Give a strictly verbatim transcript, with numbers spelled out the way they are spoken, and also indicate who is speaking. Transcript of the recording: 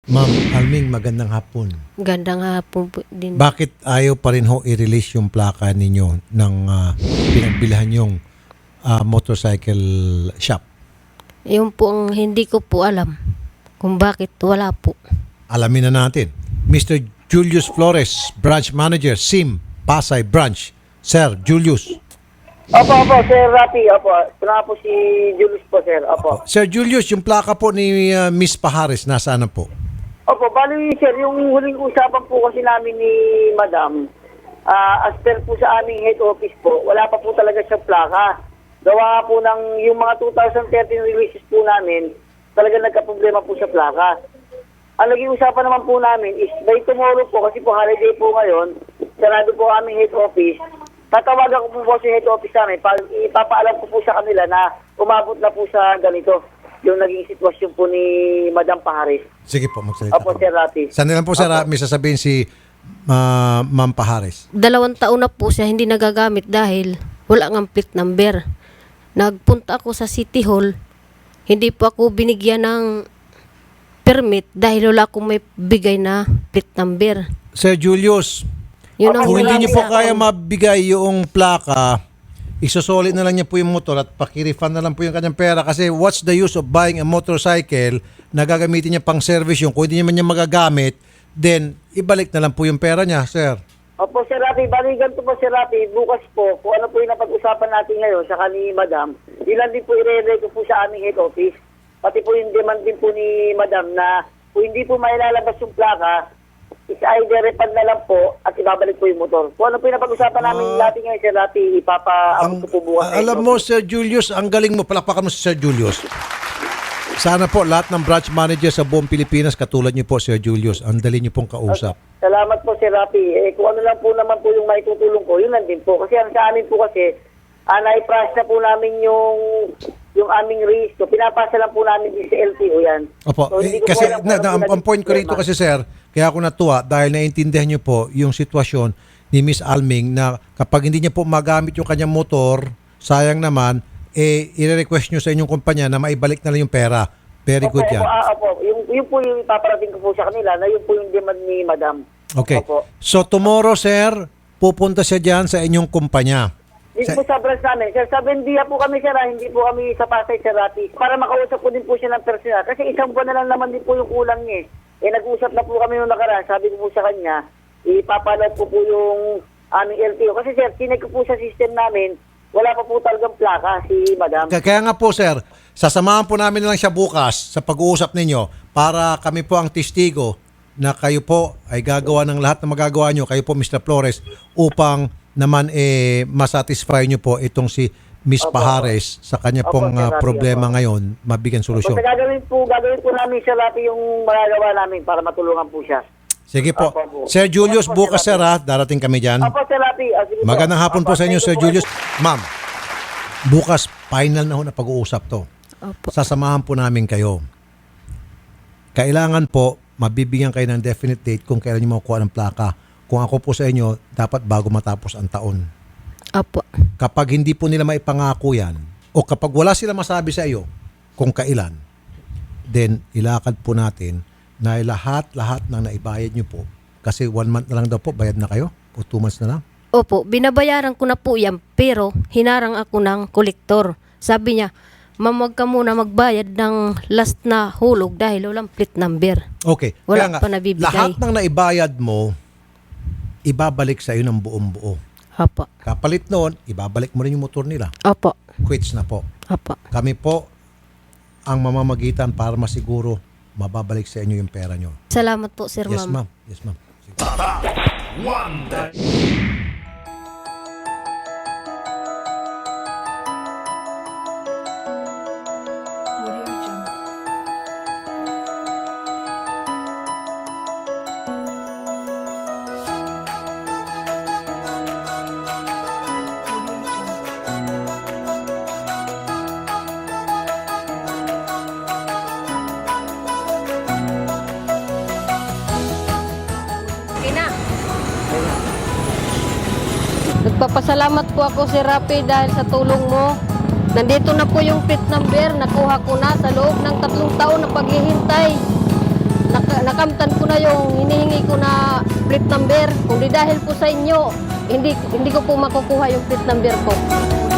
Speaker 1: Ma'am Alming, magandang hapon.
Speaker 2: Gandang hapon po din.
Speaker 1: Bakit ayaw pa rin ho i-release yung plaka ninyo ng uh, pinagbilhan yung uh, motorcycle shop?
Speaker 2: Yung po ang hindi ko po alam kung bakit wala po.
Speaker 1: Alamin na natin. Mister Julius Flores, Branch Manager, S I M, Pasay Branch. Sir Julius.
Speaker 3: Opo, opo, Sir Rafi, opo. Ito na po si Julius po, Sir. Opo.
Speaker 1: Sir Julius, yung plaka po ni uh, Miss Pahares, nasaan na po?
Speaker 3: Opo, bali, Sir, yung huling usapan po kasi namin ni Madam, ah, as per po sa aming head office po, wala pa po talaga siyang plaka. Gawa po ng yung mga two thousand thirteen releases po namin, talaga nagka-problema po sa plaka. Ang naging usapan naman po namin is by tomorrow po, kasi po holiday po ngayon, sarado po aming head office. Tatawagan ko po po sa head office namin, pa- ipapaalam ko po sa kanila na umabot na po sa ganito, yung naging sitwasyon po ni Madam Pahares.
Speaker 1: Sige po, magsalita
Speaker 3: Opo,
Speaker 1: po.
Speaker 3: Sir Rafi.
Speaker 1: Saan lang po, sir,
Speaker 3: Opo.
Speaker 1: may sasabihin si uh, Ma'am Pahares?
Speaker 2: Dalawang taon na po siya hindi nagagamit dahil wala ng plate number. Nagpunta ako sa City Hall, hindi po ako binigyan ng permit dahil wala akong may bigay na plate number.
Speaker 1: Sir Julius,
Speaker 2: Yun ang
Speaker 1: kung hindi niyo po
Speaker 2: wala
Speaker 1: kaya
Speaker 2: akong-
Speaker 1: mabigay yung plaka, isusulit na lang niya po yung motor at pakirefund na lang po yung kanyang pera kasi what's the use of buying a motorcycle na gagamitin niya pang service yung kung hindi naman niya magagamit, then ibalik na lang po yung pera niya, sir.
Speaker 3: Opo, Sir Rafi, baligan to po, Sir Rafi, bukas po, kung ano po yung napag-usapan natin ngayon sa ni Madam, ilan din po i-re-re ko po sa aming head office, pati po yung demand din po ni Madam na kung hindi po mailalabas yung plaka, is either refund na lang po at ibabalik po yung motor. Kung ano po yung napag-usapan namin natin ngayon, Sir Rafi, ipapaabot ko po bukas. sa
Speaker 1: alam
Speaker 3: head
Speaker 1: mo,
Speaker 3: office.
Speaker 1: Sir Julius, ang galing mo. Palakpakan mo si Sir Julius. Sana po lahat ng branch manager sa buong Pilipinas katulad niyo po, Sir Julius. Ang dali niyo pong kausap.
Speaker 3: Salamat po, Sir Rafi. Eh, kung ano lang po naman po yung maitutulong ko, yun lang din po. Kasi ang sa amin po kasi, uh, na-price na po namin yung yung aming risk. So, pinapasa lang po namin din sa L T O yan.
Speaker 1: Opo,
Speaker 3: So,
Speaker 1: eh,
Speaker 3: hindi ko po
Speaker 1: kasi
Speaker 3: alam kung
Speaker 1: na,
Speaker 3: ano
Speaker 1: na,
Speaker 3: po
Speaker 1: ang, ang
Speaker 3: naging
Speaker 1: point ko rito
Speaker 3: problema.
Speaker 1: kasi, sir, kaya ako natuwa dahil naiintindihan niyo po yung sitwasyon ni Miss Alming na kapag hindi niya po magamit yung kanyang motor, sayang naman, eh, i-request niyo sa inyong kumpanya na maibalik na lang yung pera. Very good
Speaker 3: Opo,
Speaker 1: yan.
Speaker 3: opo, ah, opo. Yung, yung po yung ipaparating ko po sa kanila na yun po yung demand ni Madam.
Speaker 1: Okay.
Speaker 3: Opo.
Speaker 1: So tomorrow, sir, pupunta siya dyan sa inyong kumpanya.
Speaker 3: Dito po sa branch namin. Sir, sa Bendia po kami, Sir, ah, hindi po kami sa Pasay, Sir Rafi. Para makausap po din po siya ng personal. Kasi isang buwan na lang naman din po yung kulang niya. Eh, eh nag-usap na po kami nung nakaraan. Sabi ko po sa kanya, ipapalad po po yung aming L T O. Kasi, Sir, tinag ko po sa system namin, wala pa po talagang plaka si Madam.
Speaker 1: Kaya kaya nga po, sir, sasamahan po namin na lang siya bukas sa pag-uusap ninyo para kami po ang testigo na kayo po ay gagawa ng lahat na magagawa nyo, kayo po, Mister Flores, upang naman eh masatisfy nyo po itong si Miss
Speaker 3: Opo.
Speaker 1: Pahares sa kanya
Speaker 3: Opo,
Speaker 1: pong
Speaker 3: Sir
Speaker 1: ah,
Speaker 3: Rafi,
Speaker 1: problema
Speaker 3: opo.
Speaker 1: ngayon, mabigyan solusyon.
Speaker 3: Basta gagawin po, gagawin po namin, Sir Rafi, yung magagawa namin para matulungan po siya.
Speaker 1: Sige po.
Speaker 3: Opo, po.
Speaker 1: Sir Julius,
Speaker 3: Opo,
Speaker 1: bukas,
Speaker 3: Sir
Speaker 1: sir, ha? Darating kami dyan.
Speaker 3: Opo, Sir Rafi. Ah, sige po.
Speaker 1: Magandang hapon po
Speaker 3: Opo,
Speaker 1: sa inyo,
Speaker 3: thank
Speaker 1: Sir
Speaker 3: you po.
Speaker 1: Julius. Ma'am, bukas, final na ho na pag-uusap to.
Speaker 2: Opo.
Speaker 1: Sasamahan po namin kayo. Kailangan po, mabibigyan kayo ng definite date kung kailan nyo makukuha ng plaka. Kung ako po sa inyo, dapat bago matapos ang taon.
Speaker 2: Opo.
Speaker 1: Kapag hindi po nila maipangako yan, o kapag wala sila masabi sa iyo kung kailan, then ilakad po natin na lahat-lahat ng naibayad nyo po. Kasi one month na lang daw po, bayad na kayo? O two months na lang?
Speaker 2: Opo, binabayaran ko na po yan pero hinarang ako ng kolektor. Sabi niya, ma'am, wag ka muna magbayad ng last na hulog dahil walang plate number.
Speaker 1: Okay.
Speaker 2: Wala
Speaker 1: Kaya nga,
Speaker 2: pa nabibigay.
Speaker 1: lahat ng naibayad mo, ibabalik sa iyo ng buong buo.
Speaker 2: Opo.
Speaker 1: Kapalit noon, ibabalik mo rin yung motor nila.
Speaker 2: Opo.
Speaker 1: Quits na po.
Speaker 2: Opo.
Speaker 1: Kami po ang mamamagitan para masiguro mababalik sa inyo yung pera nyo.
Speaker 2: Salamat po, Sir
Speaker 1: Yes,
Speaker 2: Ma'am.
Speaker 1: ma'am. Yes, ma'am. Sige.
Speaker 2: Okay na. Nagpapasalamat po ako, Sir Rafi, dahil sa tulong mo. Nandito na po yung plate number. Nakuha ko na sa loob ng tatlong taon na paghihintay. Naka, nakamtan ko na yung hinihingi ko na plate number. Kung di dahil po sa inyo, hindi hindi ko po makukuha yung plate number ko.